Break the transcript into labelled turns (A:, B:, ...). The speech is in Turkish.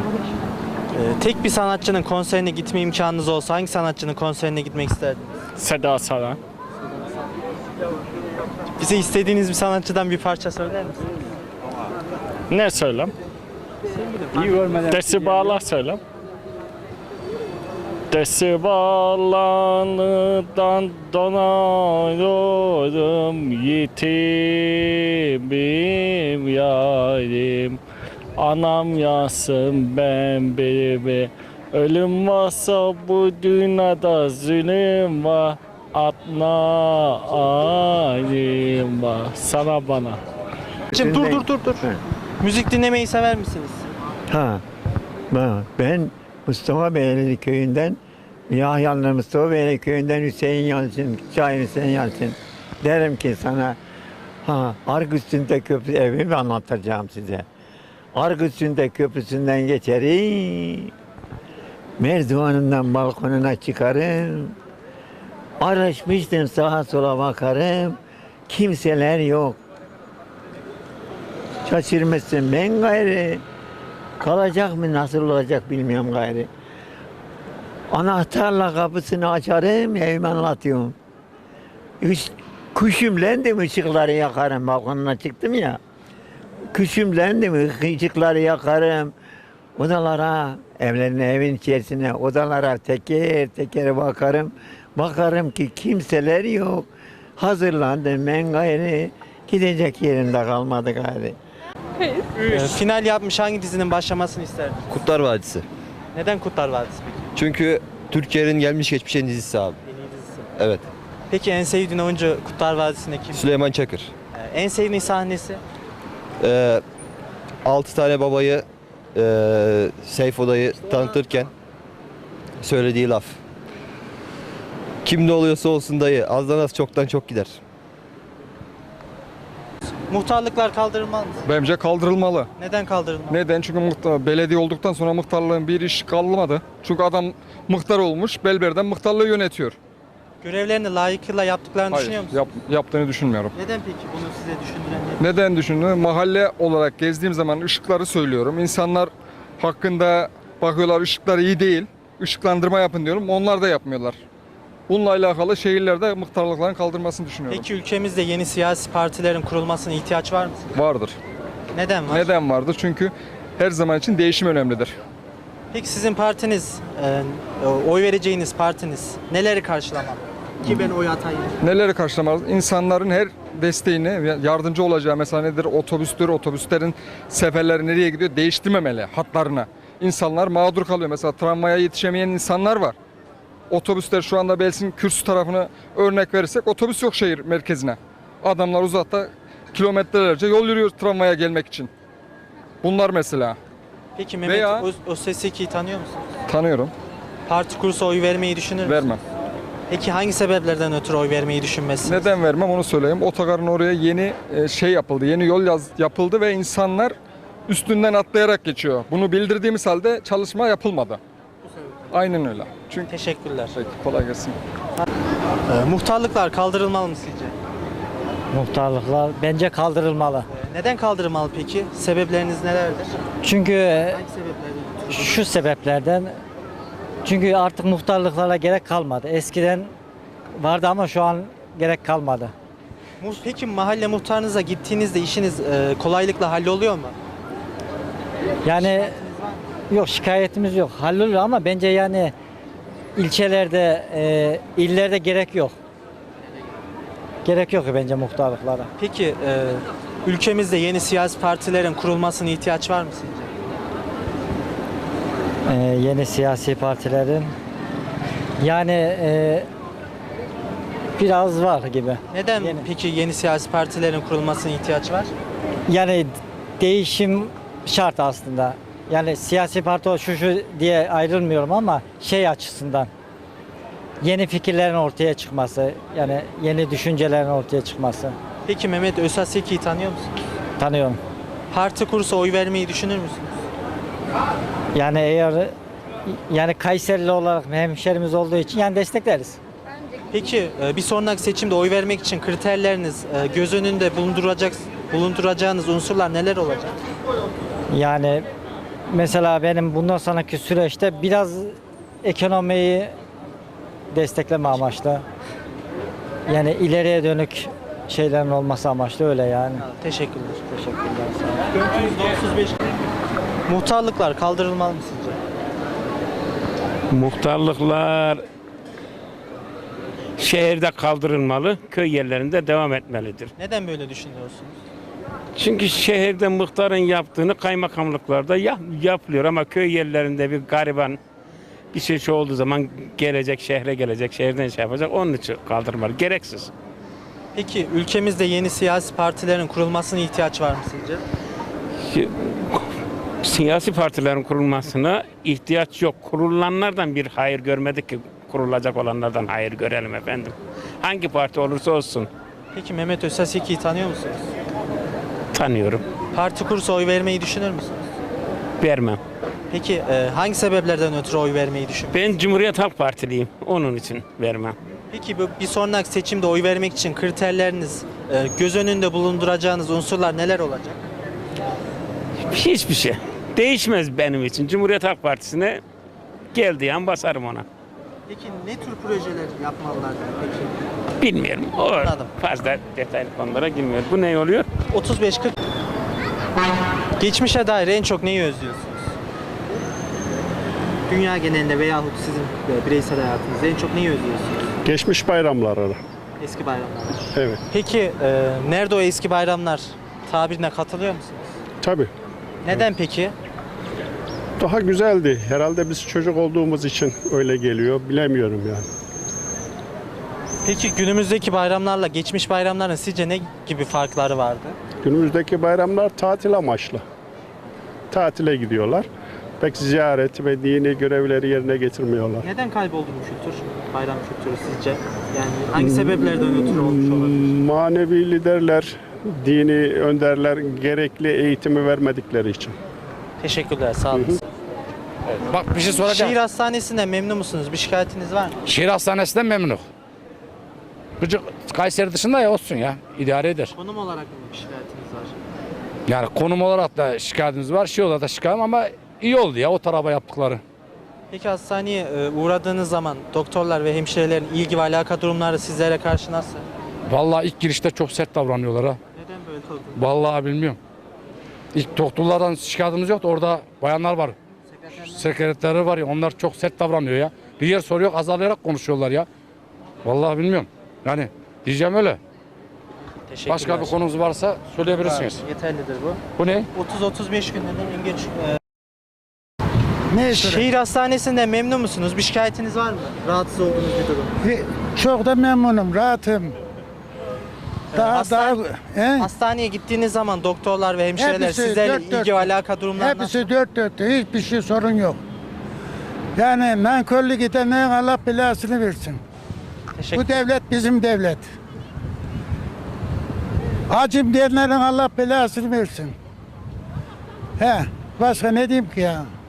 A: Tek bir sanatçının konserine gitme imkanınız olsa hangi sanatçının konserine gitmek isterdiniz?
B: Seda Saran.
A: Bize istediğiniz bir sanatçıdan bir parça söyler misiniz?
B: Ne söylem? Desi bağlar söylem. Desi bağlarından donuyorum, yitimim yarim. Anam yazsın ben birimi. Ölüm varsa bu dünyada zulüm var. Atna alim var. Sana bana.
A: Şimdi dur. Müzik dinlemeyi sever misiniz?
C: Ha, ben Mustafa Beyli köyünden, Yahyalı Mustafa Beyli köyünden Hüseyin Yalçın, Şair Hüseyin Yalçın. Derim ki sana, Ark üstünde köprü evimi anlatacağım size. Ark üstünde köprüsünden geçerim, merdivanından balkonuna çıkarım, araşmıştım sağa sola bakarım, kimseler yok. Şaşırmışsın ben gayrı. Kalacak mı nasıl olacak bilmiyorum gayrı. Anahtarla kapısını açarım evimi anlatıyorum. Küşümlendim ışıkları yakarım balkonuna çıktım ya. Küşümlendim ışıkları yakarım. Odalara evin içerisine odalara teker teker bakarım. Bakarım ki kimseler yok. Hazırlandım ben gayrı. Gidecek yerinde kalmadı gayrı.
A: Final yapmış hangi dizinin başlamasını isterdiniz?
D: Kurtlar Vadisi.
A: Neden Kurtlar Vadisi peki?
D: Çünkü Türkiye'nin gelmiş geçmiş en dizisi abi.
A: En iyi dizisi.
D: Evet.
A: Peki en sevdiğin oyuncu Kurtlar Vadisi'nde kim?
D: Süleyman Çakır.
A: En sevdiğin sahnesi?
D: 6 tane babayı Seyfo dayı tanıtırken söylediği laf. Kim ne oluyorsa olsun dayı, azdan az çoktan çok gider.
A: Muhtarlıklar kaldırılmalı mı?
E: Bence kaldırılmalı.
A: Neden kaldırılmalı?
E: Neden? Çünkü belediye olduktan sonra muhtarlığın bir iş kalmadı. Çünkü adam muhtar olmuş, belberden muhtarlığı yönetiyor.
A: Görevlerini layıkıyla yaptıklarını düşünüyor musun?
E: Yaptığını düşünmüyorum.
A: Neden peki bunu size düşündüren ne?
E: Neden düşündüğümü mahalle olarak gezdiğim zaman ışıkları söylüyorum. İnsanlar hakkında bakıyorlar ışıklar iyi değil, ışıklandırma yapın diyorum. Onlar da yapmıyorlar. Bununla alakalı şehirlerde muhtarlıkların kaldırmasını düşünüyorum.
A: Peki ülkemizde yeni siyasi partilerin kurulmasına ihtiyaç var mı?
E: Vardır.
A: Neden var?
E: Neden vardır? Çünkü her zaman için değişim önemlidir.
A: Peki sizin partiniz, oy vereceğiniz partiniz neleri karşılamalı? Ki ben oy atayım.
E: Neleri karşılamaz? İnsanların her desteğine yardımcı olacağı mesela nedir? Otobüstür, otobüslerin seferleri nereye gidiyor? Değiştirmemeli hatlarına. İnsanlar mağdur kalıyor. Mesela tramvaya yetişemeyen insanlar var. Otobüsler şu anda Belsin Kürsü tarafına örnek verirsek otobüs yok şehir merkezine. Adamlar uzakta kilometrelerce yol yürüyor tramvaya gelmek için. Bunlar mesela.
A: Peki Mehmet
E: Veya-
A: Özteseki'yi tanıyor musunuz?
E: Tanıyorum.
A: Parti kursa oy vermeyi düşünür müsünüz?
E: Vermem.
A: Peki hangi sebeplerden ötürü oy vermeyi düşünmezsiniz?
E: Neden vermem onu söyleyeyim. Otogarın oraya yeni şey yapıldı. Yeni yol yapıldı ve insanlar üstünden atlayarak geçiyor. Bunu bildirdiğimiz halde çalışma yapılmadı. Aynen öyle. Çünkü
A: Teşekkürler.
E: Peki, kolay gelsin.
A: Muhtarlıklar kaldırılmalı mı sizce?
F: Muhtarlıklar bence kaldırılmalı.
A: Neden kaldırılmalı peki? Sebepleriniz nelerdir?
F: Çünkü
A: Hangi sebeplerden ötürü?
F: şu sebeplerden, çünkü artık muhtarlıklara gerek kalmadı. Eskiden vardı ama şu an gerek kalmadı.
A: Peki mahalle muhtarınıza gittiğinizde işiniz kolaylıkla halloluyor mu?
F: Yani yok, şikayetimiz yok. Halloluyor ama bence yani ilçelerde, illerde gerek yok. Gerek yok bence muhtarlıklara.
A: Peki ülkemizde yeni siyasi partilerin kurulmasına ihtiyaç var mı sizce?
F: Yeni siyasi partilerin yani biraz var gibi.
A: Neden
F: Yeni.
A: peki yeni siyasi partilerin kurulmasına ihtiyaç var?
F: Yani değişim şart aslında. Yani siyasi parti o şu diye ayrılmıyorum ama şey açısından yeni fikirlerin ortaya çıkması, yani yeni düşüncelerin ortaya çıkması.
A: Peki Mehmet Özteseki'yi tanıyor musunuz?
F: Tanıyorum.
A: Parti kursa oy vermeyi düşünür müsünüz?
F: Yani eğer yani Kayserili olarak hemşerimiz olduğu için yani destekleriz.
A: Peki bir sonraki seçimde oy vermek için kriterleriniz göz önünde bulunduracağınız unsurlar neler olacak?
F: Yani mesela benim bundan sonraki süreçte biraz ekonomiyi destekleme amaçlı. Yani ileriye dönük şeylerin olması amaçlı öyle yani.
A: Teşekkürler.
F: Teşekkürler. Sağ olun.
A: %35. Muhtarlıklar kaldırılmalı mı sizce?
G: Muhtarlıklar şehirde kaldırılmalı, köy yerlerinde devam etmelidir.
A: Neden böyle düşünüyorsunuz?
G: Çünkü şehirde muhtarın yaptığını kaymakamlıklarda yapılıyor ama köy yerlerinde bir gariban bir şey olduğu zaman gelecek, şehre gelecek, şehirden şey yapacak. Onun için kaldırmalı. Gereksiz.
A: Peki ülkemizde yeni siyasi partilerin kurulmasına ihtiyaç var mı sizce?
G: Siyasi partilerin kurulmasına ihtiyaç yok. Kurulanlardan bir hayır görmedik ki kurulacak olanlardan hayır görelim efendim. Hangi parti olursa olsun
A: Peki Mehmet Özsaseki'yi tanıyor musunuz?
G: tanıyorum.
A: Parti kursa oy vermeyi düşünür müsünüz?
G: Vermem.
A: Peki hangi sebeplerden ötürü oy vermeyi düşünüyorsunuz?
G: Ben Cumhuriyet Halk Partiliyim. Onun için vermem.
A: Peki bu bir sonraki seçimde oy vermek için kriterleriniz, göz önünde bulunduracağınız unsurlar neler olacak?
G: Hiçbir şey. Değişmez benim için. Cumhuriyet Halk Partisi'ne geldiği an basarım ona.
A: Peki ne tür projeler yapmalılar peki?
G: Bilmiyorum. O
A: Anladım.
G: fazla detaylı konulara girmiyor. Bu ne oluyor?
A: 35-40. Geçmişe dair en çok neyi özlüyorsunuz? Dünya genelinde veyahut sizin bireysel hayatınızda en çok neyi özlüyorsunuz?
B: Geçmiş bayramları.
A: Eski bayramlar.
B: Evet.
A: Peki nerede o eski bayramlar tabirine katılıyor musunuz?
B: Tabii.
A: Neden peki?
B: Daha güzeldi. Herhalde biz çocuk olduğumuz için öyle geliyor. Bilemiyorum yani.
A: Peki günümüzdeki bayramlarla geçmiş bayramların sizce ne gibi farkları vardı?
B: Günümüzdeki bayramlar tatil amaçlı. Tatile gidiyorlar. Pek ziyaret ve dini görevleri yerine getirmiyorlar.
A: Neden kayboldu bu kültür? Bayram kültürü sizce? Yani hangi sebeplerden ötürü olmuş olabilir?
B: Manevi liderler, dini önderler gerekli eğitimi vermedikleri için.
A: Teşekkürler, sağ olun.
H: Bak bir şey soracağım.
A: Şehir hastanesinden memnun musunuz? Bir şikayetiniz var mı?
H: Şehir hastanesinden memnunum. Gıcık Kayseri dışında ya olsun ya. İdare eder.
A: Konum olarak mı bir şikayetiniz var?
H: Yani konum olarak da şikayetimiz var. Şey olarak da şikayetim ama iyi oldu ya o tarafa yaptıkları.
A: Peki hastaneye uğradığınız zaman doktorlar ve hemşirelerin ilgi ve alaka durumları sizlere karşı nasıl?
H: Vallahi ilk girişte çok sert davranıyorlar ha.
A: Neden böyle oldu?
H: Vallahi bilmiyorum. İlk doktorlardan şikayetimiz yoktu. Orada bayanlar var. Sekreterleri var ya onlar çok sert davranıyor ya. Bir yer soruyor azalayarak konuşuyorlar ya. Vallahi bilmiyorum. Yani diyeceğim öyle.
A: Teşekkürler.
H: Başka bir konumuz varsa söyleyebilirsiniz.
A: Yeterlidir bu.
H: Bu ne?
A: 30-35 günden en geç. Şehir hastanesinden memnun musunuz? Bir şikayetiniz var mı? Rahatsız olduğunuz bir durum.
I: Çok da memnunum, rahatım.
A: Hastaneye gittiğiniz zaman doktorlar ve hemşireler
I: Hepsi
A: sizlerle
I: dört
A: ilgi ve alaka durumları nasıl?
I: Hepsi dört dörtte, hiçbir şey sorun yok. Yani nankörlük edenlerin Allah belasını versin.
A: Teşekkür
I: Bu devlet bizim devlet. Acım diyenlerin Allah belasını versin. He, başka ne diyeyim ki ya?